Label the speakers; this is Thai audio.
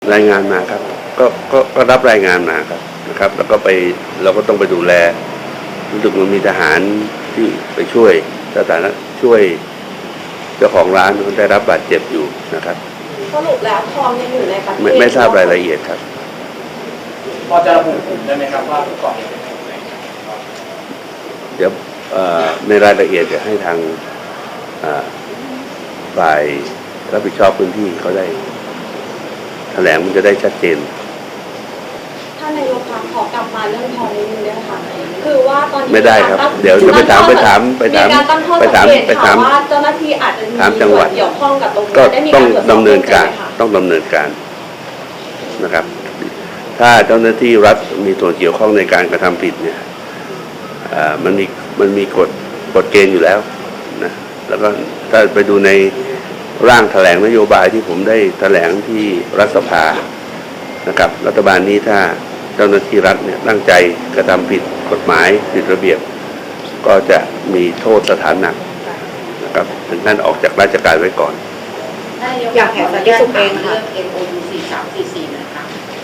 Speaker 1: รายงานมาครับก็รับรายงานมาครับนะครับ แล้วก็เราก็ต้องไปดูแลรู้สึกมันมีทหารที่ไปช่วยสถานะช่วยเจ้าของร้านได้รับบาดเจ็บอยู่นะครับ
Speaker 2: สรุปแล้วทองยังอยู่ในประเทศ
Speaker 1: ไม่ทราบรายละเอียดครับ
Speaker 3: พอจะระบุกลุ่มได้ไหมครับว่าผู้ก่อเหตุเป็นใคร
Speaker 1: เดี๋ยวในรายละเอียดจะให้ทางฝ่ายรับผิดชอบพื้นที่เขาได้แถลงมันจะได้ชัดเจน
Speaker 2: ถ้านายกคะขอกลับมาเรื่องทองนิดนึงได้ไหมคะคือว่าตอนนี้
Speaker 1: ไม่ได้ครับเดี๋ยวจะไปถามว่าเจ้า
Speaker 2: หน้าที่อาจจะมี
Speaker 1: จังหวัด
Speaker 2: เกี่ยวข้องกับตรงนี้ได้มี
Speaker 1: ต้
Speaker 2: กา
Speaker 1: อง
Speaker 2: รตรวจสอบ
Speaker 1: ดำเนินการนะครับถ้าเจ้าหน้าที่รัฐมีส่วนเกี่ยวข้องในการกระทำผิดเนี่ยมันมีกฎเกณฑ์อยู่แล้วนะแล้วก็ถ้าไปดูในร่างแถลงนโยบายที่ผมได้แถลงที่รัฐสภานะครับรัฐบาลนี้ถ้าเจ้าหน้าที่รัฐเนี่ยตั้งใจกระทำผิดกฎหมายผิดระเบียบก็จะมีโทษสถานหนักนะครับถึงขั้นออกจากราชการไว้ก่อน
Speaker 4: อยากเห็นสัญญาณเรื่อง MOU 4344นะ